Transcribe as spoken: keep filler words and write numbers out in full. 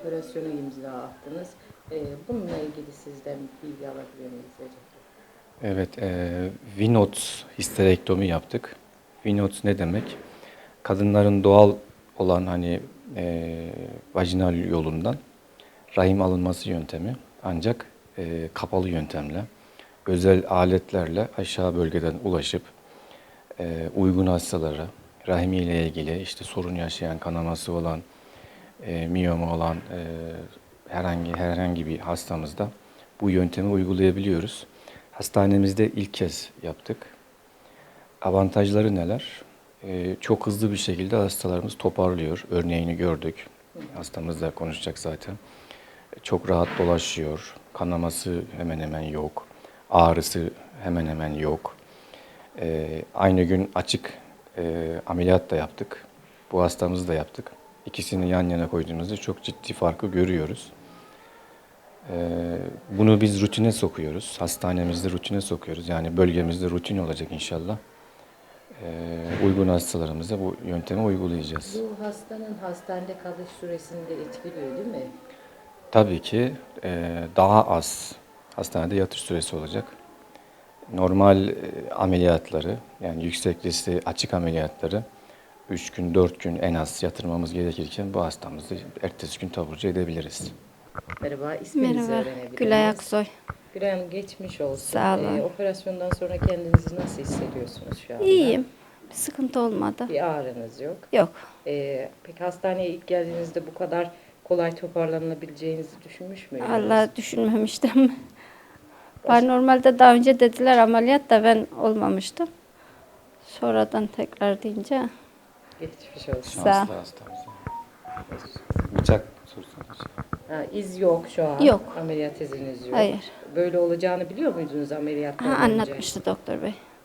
operasyonu imza attınız. E, bununla ilgili sizden bilgi alabilir miyiz acaba? Evet, e, Vinots histerektomi yaptık. Vinots ne demek? Kadınların doğal olan hani e, vajinal yolundan rahim alınması yöntemi ancak e, kapalı yöntemle, özel aletlerle aşağı bölgeden ulaşıp e, uygun hastalara, rahimiyle ilgili işte sorun yaşayan, kanaması olan, e, miyoma olan e, herhangi herhangi bir hastamızda bu yöntemi uygulayabiliyoruz. Hastanemizde ilk kez yaptık. Avantajları neler? Ee, çok hızlı bir şekilde hastalarımız toparlıyor. Örneğini gördük. Hastamız da konuşacak zaten. Çok rahat dolaşıyor. Kanaması hemen hemen yok. Ağrısı hemen hemen yok. Ee, aynı gün açık e, ameliyat da yaptık. Bu hastamızı da yaptık. İkisini yan yana koyduğumuzda çok ciddi farkı görüyoruz. Ee, bunu biz rutine sokuyoruz. Hastanemizde rutine sokuyoruz. Yani bölgemizde rutin olacak inşallah. Ee, uygun hastalarımıza bu yöntemi uygulayacağız. Bu hastanın hastanede kalış süresini de etkiliyor değil mi? Tabii ki e, daha az hastanede yatış süresi olacak. Normal e, ameliyatları yani yüksek riskli açık ameliyatları üç gün dört gün en az yatırmamız gerekirken bu hastamızı ertesi gün taburcu edebiliriz. Merhaba, isminizi Merhaba, öğrenebilir Gülay miyiz? Aksoy. Gülay Hanım, geçmiş olsun. Sağ olun. E, operasyondan sonra kendinizi nasıl hissediyorsunuz şu anda? İyiyim. Bir sıkıntı olmadı. Bir ağrınız yok. Yok. E, peki hastaneye ilk geldiğinizde bu kadar kolay toparlanabileceğinizi düşünmüş müydünüz? Allah düşünmemiştim. Ben normalde daha önce dediler ameliyat da ben olmamıştım. Sonradan tekrar deyince Geçmiş olsun. Sağ ol. Şanslı hastamız. Bıçak sorsanız. Ha, iz yok şu an. Yok. Ameliyat iziniz yok. Hayır. Böyle olacağını biliyor muydunuz ameliyattan ha, önce? anlatmıştı doktor bey.